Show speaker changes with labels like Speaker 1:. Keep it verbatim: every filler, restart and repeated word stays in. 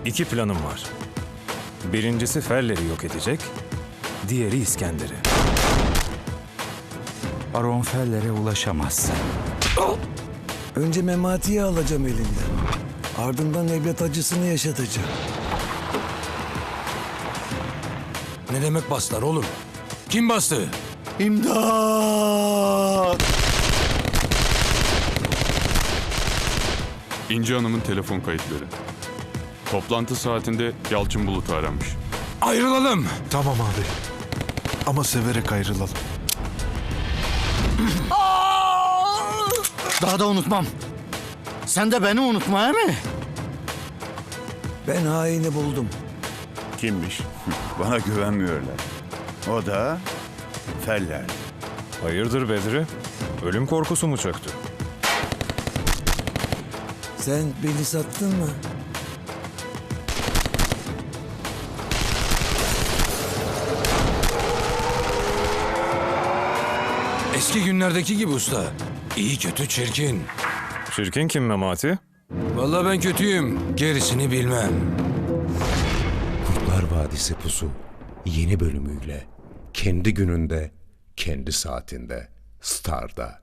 Speaker 1: İki planım var. Birincisi Feller'i yok edecek, diğeri İskender'i.
Speaker 2: Baron Feller'e ulaşamazsın.
Speaker 3: Önce Memati'yi alacağım elinden. Ardından evlat acısını yaşatacağım.
Speaker 4: Ne demek bastılar oğlum? Kim bastı?
Speaker 3: İmdat!
Speaker 5: İnci Hanım'ın telefon kayıtları. Toplantı saatinde Yalçın Bulut'u aramış.
Speaker 4: Ayrılalım.
Speaker 6: Tamam abi. Ama severek ayrılalım.
Speaker 7: Daha da unutmam. Sen de beni unutma he mi?
Speaker 3: Ben haini buldum.
Speaker 8: Kimmiş? Bana güvenmiyorlar. O da Feller.
Speaker 1: Hayırdır Bedri? Ölüm korkusu mu çöktü?
Speaker 3: Sen beni sattın mı?
Speaker 4: Eski günlerdeki gibi usta. İyi kötü çirkin.
Speaker 1: Çirkin kim Memati?
Speaker 4: Vallahi ben kötüyüm. Gerisini bilmem.
Speaker 9: Kurtlar Vadisi Pusu yeni bölümüyle kendi gününde, kendi saatinde Star'da.